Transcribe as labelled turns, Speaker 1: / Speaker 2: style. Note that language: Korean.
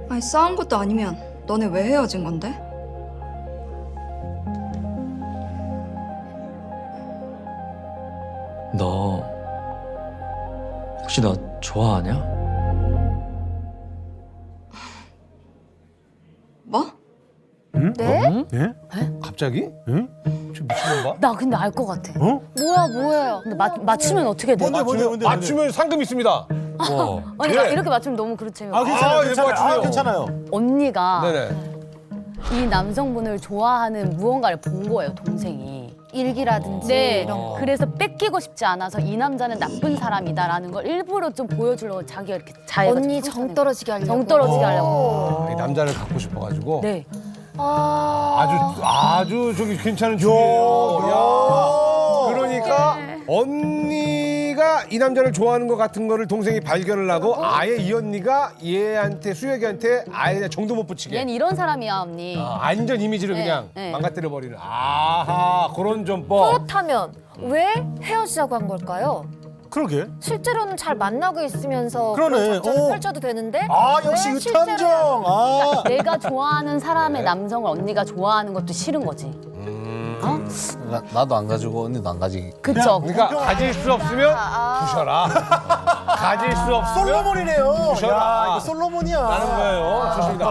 Speaker 1: 아니 싸운 것도 아니면 너네 왜 헤어진 건데?
Speaker 2: 너 혹시 나 좋아하냐?
Speaker 1: 뭐?
Speaker 3: 네?
Speaker 4: 예? 갑자기? 응? 저 미친놈 봐?
Speaker 5: 나 근데 알 것 같아.
Speaker 4: 어?
Speaker 5: 뭐예요? 근데 맞추면 어떻게 돼?
Speaker 4: 맞추면 상금 있습니다.
Speaker 5: 아니
Speaker 4: 네.
Speaker 5: 이렇게 맞추면 너무 그렇지.
Speaker 4: 아, 괜찮아요.
Speaker 3: 괜찮아요.
Speaker 5: 언니가
Speaker 4: 네네.
Speaker 5: 이 남성분을 좋아하는 무언가를 본 거예요, 동생이.
Speaker 3: 일기라든지
Speaker 5: 네.
Speaker 3: 이런 거.
Speaker 5: 그래서 뺏기고 싶지 않아서 이 남자는 나쁜 사람이다라는 걸 일부러 좀 보여주려고 자기가 이렇게 자해가
Speaker 3: 언니 정 떨어지게 하려고.
Speaker 5: 정 떨어지게 하려고.
Speaker 4: 이 남자를 갖고 싶어가지고.
Speaker 5: 네.
Speaker 4: 아주 저기 괜찮은 중이에요. 야. 그러니까 언니가 이 남자를 좋아하는 것 같은 거를 동생이 발견을 하고 아예 이 언니가 얘한테 수혁이한테 아예 그냥 정도 못 붙이게.
Speaker 5: 얘는 이런 사람이야, 언니.
Speaker 4: 안전 이미지를
Speaker 5: 네,
Speaker 4: 그냥
Speaker 5: 네.
Speaker 4: 망가뜨려 버리는. 아하 그런 전법.
Speaker 3: 그렇다면 왜 헤어지자고 한 걸까요?
Speaker 6: 그러게.
Speaker 3: 실제로는 잘 만나고 있으면서
Speaker 6: 그러네.
Speaker 3: 그런 작전을
Speaker 6: 어.
Speaker 3: 펼쳐도 되는데
Speaker 6: 아 역시
Speaker 3: 왜
Speaker 6: 유탐정.
Speaker 3: 실제로는
Speaker 6: 아.
Speaker 5: 내가 좋아하는 사람의 남성을 언니가 좋아하는 것도 싫은 거지. 어?
Speaker 7: 나도 안 가지고 언니도 안 가지.
Speaker 5: 그쵸?
Speaker 4: 그러니까 가질 수 없으면 부셔라. 가질 수 없으면
Speaker 6: 솔로몬이네요.
Speaker 4: 부셔라.
Speaker 6: 야, 이거 솔로몬이야.
Speaker 4: 라는 거예요. 좋습니다.